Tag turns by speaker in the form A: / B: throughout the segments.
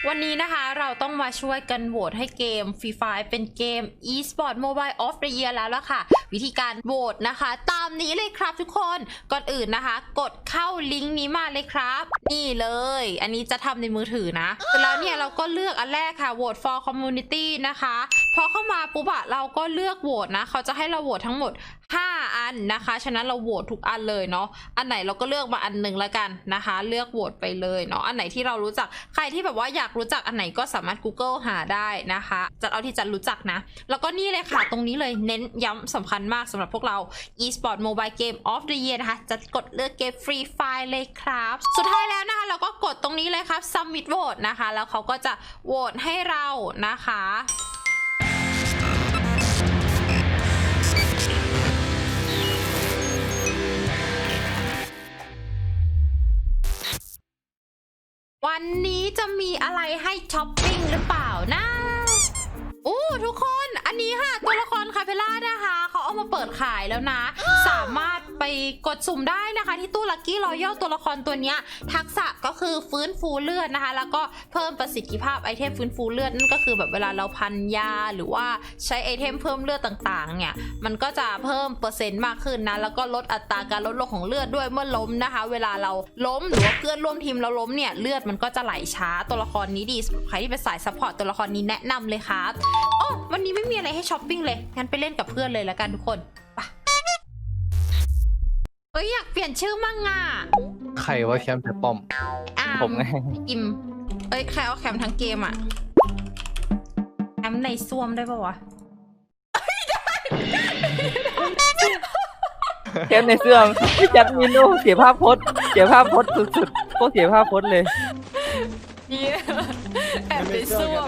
A: วันนี้นะคะเราต้องมาช่วยกันโหวตให้เกม Free Fire เป็นเกม eSport Mobile of the Year แล้วล่ะค่ะวิธีการโหวตนะคะตามนี้เลยครับทุกคนก่อนอื่นนะคะกดเข้าลิงก์นี้มาเลยครับนี่เลยอันนี้จะทำในมือถือนะเสร็จแล้วเนี่ยเราก็เลือกอันแรกค่ะ Vote for Community นะคะพอเข้ามาปุ๊บเราก็เลือกโหวตนะเขาจะให้เราโหวตทั้งหมด5 อันนะคะฉะนั้นเราโหวตทุกอันเลยเนาะอันไหนเราก็เลือกมาอันหนึ่งแล้วกันนะคะเลือกโหวตไปเลยเนาะอันไหนที่เรารู้จักใครที่แบบว่าอยากรู้จักอันไหนก็สามารถ Google หาได้นะคะจัดเอาที่จัดรู้จักนะแล้วก็นี่เลยค่ะตรงนี้เลยเน้นย้ำสำคัญมากสำหรับพวกเรา eSport Mobile Game of the Year นะคะจะกดเลือกเกม Free Fire เลยครับสุดท้ายแล้วนะคะเราก็กดตรงนี้เลยครับ Submit Vote นะคะแล้วเขาก็จะโหวตให้เรานะคะวันนี้จะมีอะไรให้ช้อปปิ้งหรือเปล่านะทุกคนอันนี้ค่ะตัวละครคาเฟล่านะคะเขาเอามาเปิดขายแล้วนะสามารถไปกดสุ่มได้นะคะที่ตู้ลัคกี้รอยัลตัวละครตัวนี้ทักษะก็คือฟื้นฟูเลือดนะคะแล้วก็เพิ่มประสิทธิภาพไอเทมฟื้นฟูเลือดนั่นก็คือแบบเวลาเราพันยาหรือว่าใช้ไอเทมเพิ่มเลือดต่างๆเนี่ยมันก็จะเพิ่มเปอร์เซ็นต์มากขึ้นนะแล้วก็ลดอัตราการลดลงของเลือดด้วยเมื่อล้มนะคะเวลาเราล้มหรือว่าเพื่อนร่วมทีมเราล้มเนี่ยเลือดมันก็จะไหลช้าตัวละครนี้ดีใครที่เป็นสายซัพพอร์ตตัวละครนี้แนะนำเลยครับวันนี้ไม่มีอะไรให้ช้อปปิ้งเลยงั้นไปเล่นกับเพื่อนเลยแล้วกันทุกคนไปอยากเปลี่ยนชื่อมั่งอ่ะ
B: ใครว่าแคมป์แต่ป้อม
A: ผมไงอิมใครเอาแคมทั้งเกมอ่ะแคมในซ่วมได้ปะวะ
C: แคมในเสื้อพี่จัดมินโนเสียภาพพจน์สุดๆก็เสียภาพพจน์เลย
A: เนี่ยแอบในซ่วม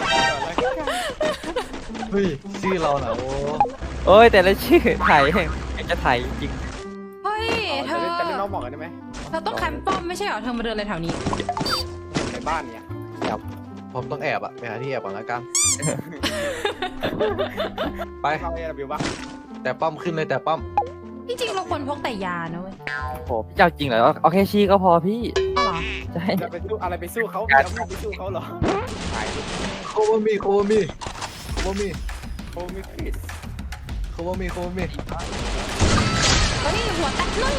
B: เฮ้ยชื่อเราเหรอ
C: โอ้ยแต่ละชื่อถ่ายจะถ่ายจริง
A: เฮ้ยเธอ
D: จะเล่นนอกบอกกันได้ไหม
A: เราต้องแคมป์ป้อมไม่ใช่เหรอเธอมาเดินอะไรแถวนี้
D: ในบ้านเนี่ย
B: แอบผมต้องแอบอะไปหาที่แอบก่อนละกันไป
D: เข้าเอวิวปะ
B: แต่ป้อมขึ้นเลยแต่ป้อม
A: จริงๆเราควรพกแต่ยานะเว้ย
C: โอ้พี่เจ้าจริงเหรอเอาแค่ชีก็พอพี่
A: ใช่
D: จะไปสู้อะไรไปสู้เขาไม่ไปสู้เขาหรอ
B: โความิ
D: โคฟิส
B: โความิ
A: เฮ้ยหัวตัดนึ่ง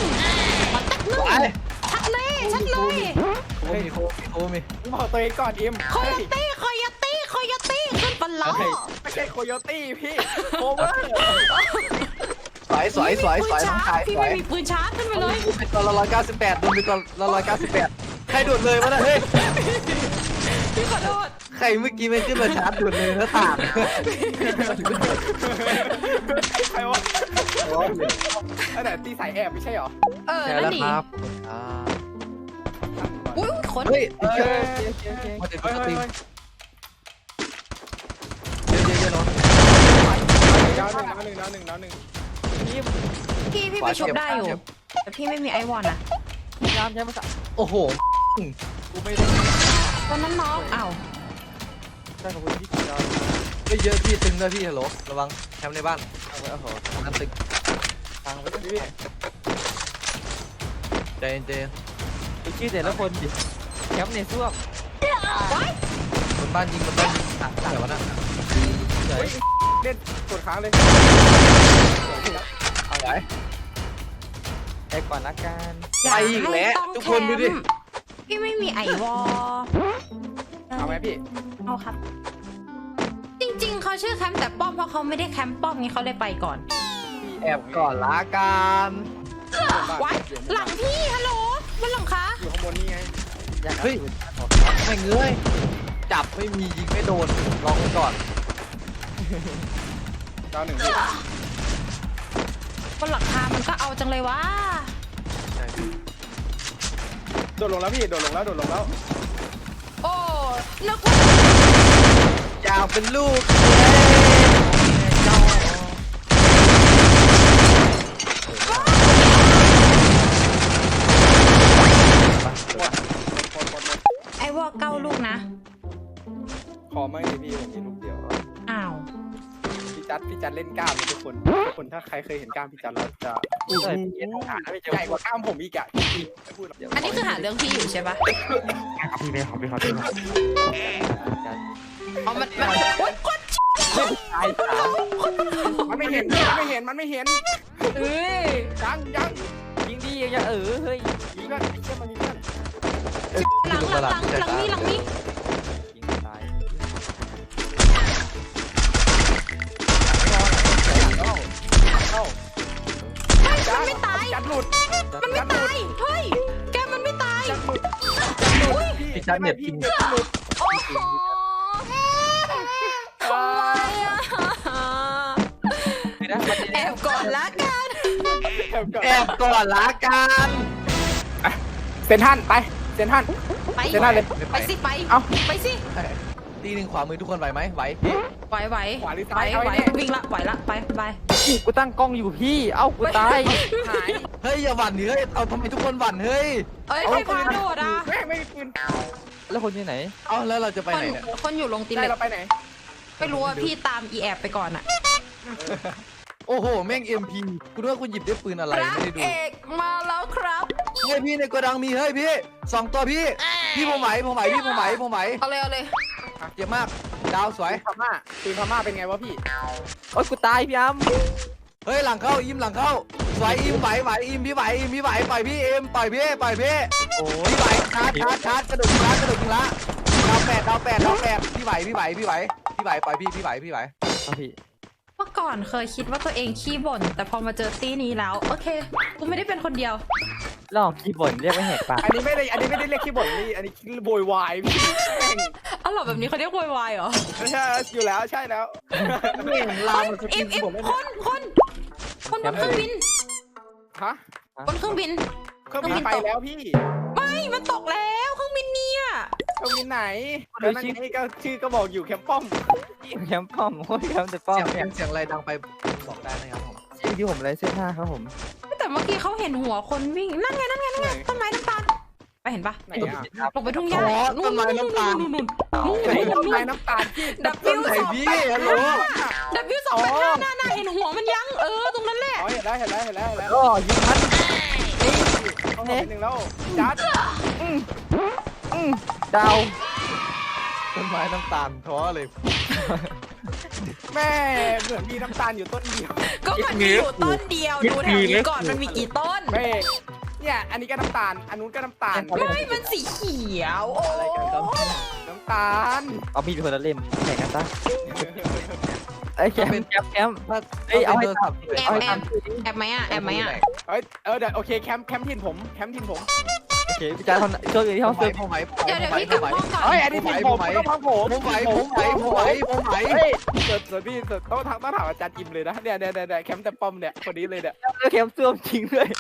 A: ชัดเลย
B: โความิ
D: บอกตัวเองก่อนอิม
A: โคโยตี้ขึ้นปลาล้อ
D: ไม่ใช่โคโยตี้พี่โคเวอร์
B: สวยน้องชาย
A: พี่ไม่มีปืนชาร์จขึ้นไปเลย
B: เป็นตัวละ198โดนเป็นตัวละ198ใครโดดเลยวะนะเฮ้ย
A: พี่ขอโทษ
B: ใครเมื่อกี้ไม่ขึ้นมาชาร์จโดดเลยแล้วต่าง
D: ใครวะอันไหนตีสายแอบไม่ใช่หรอ
B: ใช่แล้วครับ
A: อุ้ยขน
B: เฮ้ยมาเด็ดตัวตีเยอะๆเนาะ
D: ดาวหนึ่ง
A: พี่ไปชุบได้อยู่แต่พี่ไม่มีไอวอนอะ
C: ยามใช่ไหม
B: โอ้โห
D: กูไม่ได้
A: ตอนนั้นน้องอ้าว
D: ใช่ขอบคุณพี่ดาว
B: ไม่เยอะพี่ตึงด้วยพี่ฮัลโหลระวังแคมป์ในบ้าน
D: โอ้โห
B: น้ำตึง
D: ฟังไว้พี่
B: ใจเย็น
C: ชื่อแต่ละคนดิแคมป์ในซ่วม
B: บนบ้านยิงเดี๋ยวนะ
D: เล่นกดค้างเลย
B: เอาไว้
C: ไปก่อนละกัน
B: ไปอีกแล้วทุกคนดูดิ
A: พี่ไม่มีไอวอล
D: เอาไหมพี่
A: เอาครับจริงๆเขาชื่อแคมป์แต่ป้อมเพราะเขาไม่ได้แคมป์ป้อมงี้เขาเลยไปก่อน
B: แอบก่อนละกัน
A: วัดหลังพี่ฮัลโหลบนหลังคะ
D: อยู่ข้างบนนี่ไง
B: เฮ้ยไม่เงยจับไม่มียิงไม่โดนลองก่อน
D: ดาวหนึ่ง
A: บนหลังคามันก็เอาจังเลยวะ
D: โดดลงแล้วพี่โดดลงแล้ว
A: โอ้นึกว่
B: ายาวเป็นลูก
A: ไอวอล9 ลูกนะ
D: ขอไม่พี่ผมมีลูกเดียว
A: อ้าว
D: พี่จัดจัดเล่นกล้ามทุกคนถ้าใครเคยเห็นกล้ามพี่จัดแล้วจะ
C: เปิดเกียร์หาไม่เจอ
D: ใหญ่กว่ากล้ามผมอีกอะไม่พูดหรอก
A: อันนี้คือหาเรื่องพี่อยู่ใช่ปะ
E: พี่เลยครับพี่ครับ
A: อ๋อมันโอ๊ยกด
C: ตายสาม
D: มันไม่เห็นมันไม่เห็น
A: เอ้ย
D: ยัง
C: ยิงดีอย่าเฮ้ย
D: มีเพื่อนไอ้เชี่ยมันมีเพื่อน
A: หลังนี่
C: ยิงตาย
D: จัด
A: ไม่ตาย
D: จัดหลุด
A: มันไม่ตาย เฮ้ย แกมันไม่ตาย
D: จัดหลุด
B: พี่จัดเน็ตพิง
D: จัดหลุด
A: โอ้โหทำไมอ่ะ
C: ไม่ได้มัน
A: แอบก่อนละกัน
B: แอบก่อนละกัน
D: เซนทันไปเซนทัน
A: ไป
D: เซนทันเลย
A: ไปสิไป
D: เอ้า
A: ไปสิ
B: ตีหนึ่งขวามือทุกคนไหวไหมไหว
A: ไหว
D: ขวาหรือ
A: ไหว
D: ซ้ายเอา
A: ไหว
D: ไอ้เนี่ย
A: วิ่งละไหวละไปไป
C: กูตั้งกล้องอยู่พี่เอ้ากูตาย
D: หาย
B: เฮ้ยอย่าหวั่นดิเฮ้ยเอาทำไมทุกคนหวั่นเฮ้ย
A: เอ้ยใครพาโดดอ่ะ
D: แม่งไม่มีปืน
C: แล้วคนที่ไหน
B: เอาแล้วเราจะไป
A: คน
B: ไหนเนี่ย
A: คนอยู่ลงตี
D: ได้
A: เล็ก
D: เราไปไหน
A: ไม่รู้ว่าพี่ตามอีแอบไปก่อนอ่ะ
B: โอ้โหแม่ง MP คุณว่าคุณหยิบได้ปืนอะไร
A: พระ
B: ไม่ได้ดู
A: เอกมาแล้วครับ
B: เฮ้ยพี่ในโกดังมีเฮ้ยพี่สองตัวพี่ผมไหวพี่ผมไหว
A: เอาเลยเอาเลย
B: เจ็บมากดาวสวย
D: ปืนพม่าเป็นไงวะพี่
C: โอ๊ยกูตายพี่อ้ำ
B: เฮ้ยหลังเข้าอิมหลังเข้าสวยอิมไหวอิมพี่ไหวปล่อยพี่เอ็มปล่อยพี่โอ้ยพี่ไหวชาร์จกระโดดยิงละดาวแปดพี่ไหวปล่อยพี่ไหว
C: เอาพี่
A: เมื่อก่อนเคยคิดว่าตัวเองขี้บ่น แต่พอมาเจอตี้นี้แล้ว โอเค กูไม่ได้เป็นคนเดียว
C: ลองคีย์บอร์ดเรียกไม่แหกปาก
D: อันนี้ไม่ได้เรียกขี้บ่นนี่อันนี้โวยวายพี่แม่ง
A: อ้าวเหรอแบบนี้เขาเรียกโวยวายเหรอ
D: ใช่อยู่แล้วใช่แล้ว
B: ไม่เห็นลามมันส
A: อิ
B: กิ
A: ฟ
B: น
A: อิฟ
B: ผมไม่
A: คนบนเครื่องบิน
D: ฮะ
A: บนเครื่องบิน
D: เครื่องบินไปแล้วพี่
A: ไม่มันตกแล้วเครื่องบินเนี่ย
D: เครื่องบินไหนแล้วนั่นไงก็ชื่อก็บอกอยู่แคมป์ป้อม
C: แคมป์ป้อมโอ้ยแคมป์แต่ป้อม
B: เสียง
C: เนี่ย
B: เสียงอะไรดังไปบอกได้นะครับผม
C: ชื่อที่ผมเลยเส้นห้าครับผม
A: แต่เมื่อกี้เขาเห็นหัวคนวิ่ง นั่นไงต้นไม้น้ำตาล ไปเห็นปะ
D: ไหนอ่ะ
A: ลงไปทุ่งหญ้านู่น
D: ไหนต้นไม้น้ำตาลพี่
A: ดับวิว
B: ไหน
A: สอง
B: พี่
A: แปด
B: ฮัลโหล
A: ดับวิวสองแปดห้าน่าเห็นหัวมันยังตรงนั้นแหละ
D: อ๋อเห็นแล้ว
C: ก็ยิงมัน
D: ต้องเห็นหนึ่งแล้วจัด
C: ดาว
B: ต้นไม้น้ำตาลท้อเลย
D: แม่เหมือนมีน้ำตาลอยู่ต้นเดียว
A: ก็มันมีอยู่ต้นเดียวดูแถวนี้ก่อนมันมีกี่ต้น
D: แม่เนี่ยอันนี้ก็น้ำตาลอันนู้นก็น้ำตาล
A: ไม่มันสีเขียวโอ้
D: น้ำตาล
C: เอามีดคนละเล่มแข่งกันซะไอ้ยแคมป์แคมป์ เอ้ยเอาให้ตอบ
A: แอบแอบไหมอ่ะแอบไหมอ่ะ
D: เดี๋ยวโอเคแคมป์ถิ่นผม
C: โอเคพี่จ๋าคนโชคดีที่ห้อง
B: ไหว
C: ซึม
B: ผมไหว
A: เดี๋ยวพี่กลับห้องก่อน
D: เฮ้ยอันนี้ถิ่นผมต้องพังผม
B: ผมไหว
D: เฮ้ยส่วนพี่ต้องถามอาจารย์อิมเลยนะเนี่ยแคมป์แต่ป้อมเนี่ยคนนี้เลยเนี่ย
C: แล้วแคมป์ซ่วมจริงด้วย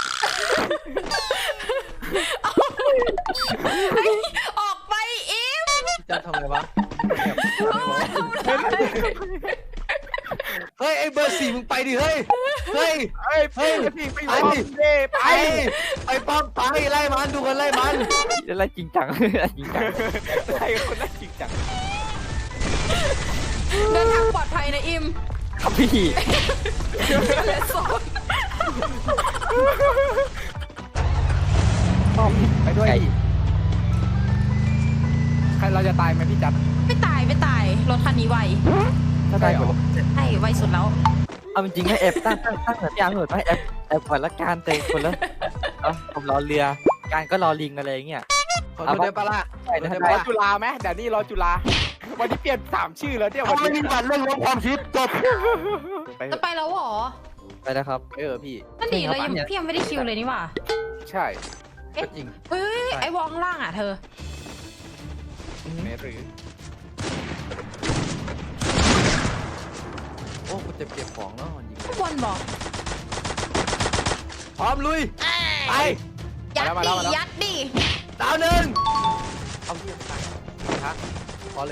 A: ออกไปอิม
B: จะทำไงวะเฮ้ยไอ้เบอร์สี่มึงไปดิเฮ้ย
D: พี่ไปอยู่ป้อมเด้ไป
B: ป้อมไปไล่มันดูกันไล่มัน
C: อะไรจริงจังจริงจัง
D: ใครคนนั้นจริงจัง
A: เดินทางปลอดภัยนะอิม
C: ครับพี่
A: เลสโซน
C: ป้อม
D: ไปด้วยใครเราจะตายไหมพี่จัด
A: ไม่ตายรถคันนี้ไว
C: ถ้าได้หมด
A: ใช่ไวสุดแล้ว
C: เอาจริงๆให้แอบตั้งแบบยางเหมือนไม่แอบก่อนละการเตะคนละผมรอเรือการก็รอลิงอะไรอย่างเงี้ย
B: ขอโทษได้ปะล่ะ
C: ใช่นะ
D: รอจุฬาไหมเดี๋ยวนี้รอจุฬาวันนี้เปลี่ยน3ชื่อแล้วเนี่ยวัน
B: ไม่
D: นี้
B: มีบัตรเรื่องลบความคิดจบ
A: จะไปแล้วเหรอ
C: ไปแล้วครับ
B: พี่
A: นั่นดิเรายังพี่ยังไม่ได้คิวเลยนี่หว่า
D: ใช่
B: ก็จริง
A: เฮ้ยไอวอลข้างล่างอ่ะเธอ
B: แม่หรือโอ้กูเจ็บของแล้วยิง
A: ข้างบนบอก
B: พร้อมลุยไป
A: ยัดดิ
B: ดาวหนึ่งเอาเยี่ยมไปฮะพอเลย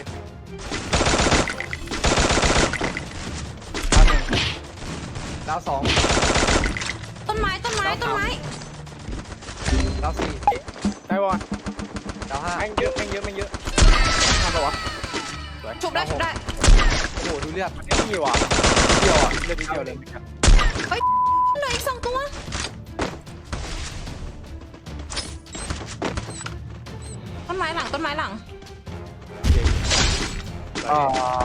B: ดาวสอง
A: ต้นไม้
B: ดาวสี่
D: ได้บอล
B: ดาวห้า
D: แม่งเยอะทำปะวะ
A: ชุบได้
B: หดูเลือด
D: มันไม่มีว่ะเดียวอ่ะเลือดนิดเดียวเลย
A: เหลืออีก2 ตัวต้นไม้หลังต้นไม้หลัง
C: อ๋อ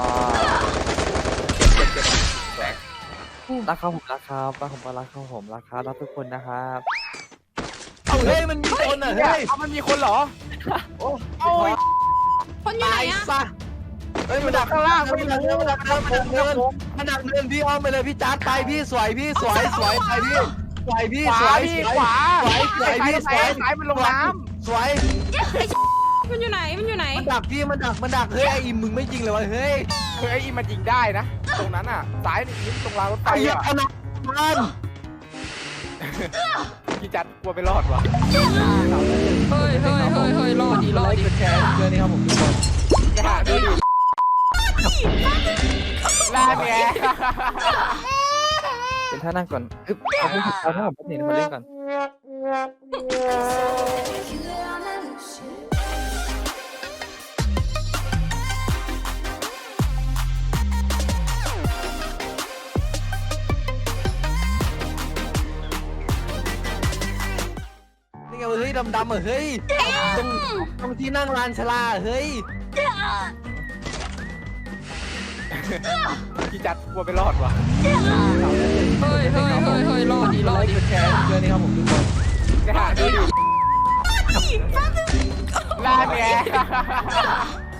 D: แตก
C: รักครับผมรักครับรักผมก็รักครับผมรักครับรักทุกคนนะครับ
B: เอาเฮ้ยมันมีคนอ่ะ
D: เฮ้
B: เฮ้
D: ย
B: ย
D: เอามันมีคนเหรอ
B: โอ้
D: โอ้ย
A: คนอยู่ไหน
B: ตาย
A: อะ
B: ซะเฮ้ยมันดักข้างล่างมันดักเนินมันดักเนินมันดักเนินมันดักเนินพี่อ้อมไปเลยพี่จัดไปพี่สวยพี่สวยสวยไปพี่สวยพี่
D: ข
B: ส
D: วา
B: วย
D: พี่
B: สวย
D: ขวา
B: สวยสวยพี่สวย
D: ซ้ายมันลงน้
B: สวย
A: มันอยู่ไหนมันอยู่ไหน
B: มันดักพี่มันดักเฮ้ยไอ้อิมมึงไม่จริงเลยวะเฮ้ย
D: ำคือไอ้อีมันยิงได้นะ ตรงนั้นอ่ะซ้ายนี่ยิงตรงรางรถไฟ
B: ไอ้เหี้ย
D: อ่ะ
B: ขนาดมัน
D: พี่จัดกลัวไม่รอดว่ะ
A: เฮ้ยรอดดิรอดดิ
B: กดแชร์เกินนี่ครับผมทุกคน
D: ไปหาดูดิลาแก
C: เป็นท่านั่งก่อนอึ๊บเอาให้ผมเอาถ้าผมเป็นหนึ่งมาเล่นก่อน
B: นี่ไงเฮ้ยดำๆอ่ะเฮ้ยตรงที่นั่งลานชลาเฮ้ย
D: พี่จัดกลัวไม่รอดว่ะ
A: เฮ้ยรอดดิรอดดิ
B: กดแชร์เกินนี่ครับผมทุกคน
D: ไปหาดูดิลาแก